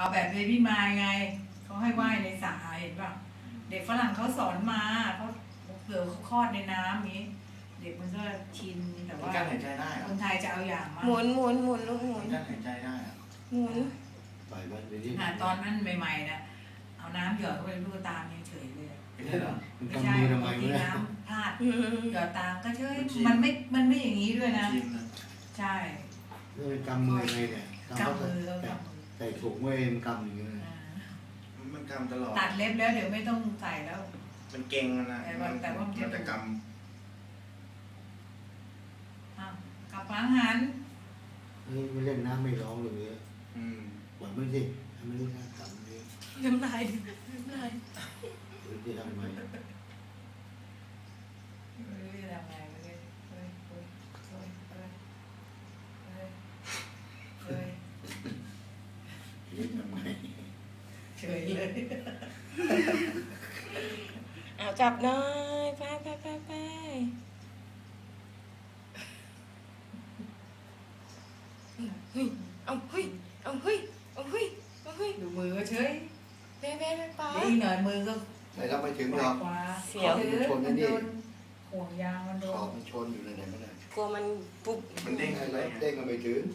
เอาแบบเบบี้มายไงเขาให้ว่ายในสระเห็นป่ะเด็กฝรั่งเขาสอนมาเขาเผื่อเขาคลอดในน้ำนี้ เด็กมันก็ชินแต่ว่าการหายใจได้คนไทยจะเอาอย่างมาหมุนหมุนหมุนลูกหมุนการหายใจได้อะหมุนปล่อยมันไปที่ตอนนั้นใหม่ๆนะเอาน้ำหยอดเข้าไปลูกตามยังเฉยเลยไม่ใช่เหรอมันไม่กำใช่มือทำไมบางทีไม่ได้น้ำพลาดอืมหยอดตามก็เฉยมันไม่อย่างนี้ด้วยนะชินนะใช่แล้วกำมือไงเนี่ยกำมือเขากำมือใส่ถุงไว้มันกำอย่างเงี้ยอ่ามันกำตลอดตัดเล็บแล้วเดี๋ยวไม่ต้องใส่แล้วมันเก่งนะแต่ว่ามันจะมันจะกอ้าวกลับมาหันเฮ้ยไม่เล่นน้ำไม่ร้องเลยำปล่อยมันสิให้มันเล่นน้ำกำเลยน้ำลายดิน้ำลายหรือจะทำไมไม่รู้จะทำไงเลยเฮ้ยเฮ้ยเฮ้ยเฮ้ยเฮ้ยเฮ้ยเล่นทำไมเฉยเลยเอาจับหน่อยไปไปไปไปเฮ้ยเอาเฮ้ยเอาเฮ้ยเอาเฮ้ยเอาเฮ้ยดูมือก็เฉยเป๊ะเป๊ะไปเดี๋ยวอีกหน่อยมือก็แต่เราไม่ถึงปหรล่ออย กขวาเสียวถือมันโดนห่วงยางมันโดขอน บมันชนอยู่ในไหนไม่ได้กลัวมันปุ๊บมันเด้งให้อะไรเราเด้งกันไปถึง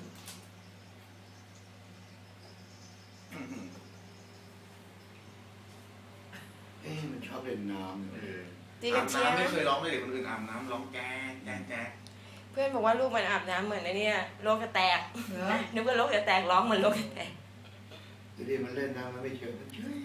มันชอบเล่นน้ำตีกัอาบบ เชียน้ำร์ไม่เคยร้องเลยเด็กคนอื่นอาบน้ำร้องแจ๊กแจ๊กแจ๊กเพื่อนบอกว่าลูกมันอาบน้ำเหมือนไอ้เนี่ยโลกจะแตกเหรอนึกว่าโลกจะแตกร้องเหมือนโลกจะแตกทีนี้มันเล่นน้ำมันไม่เฉยมันเฉย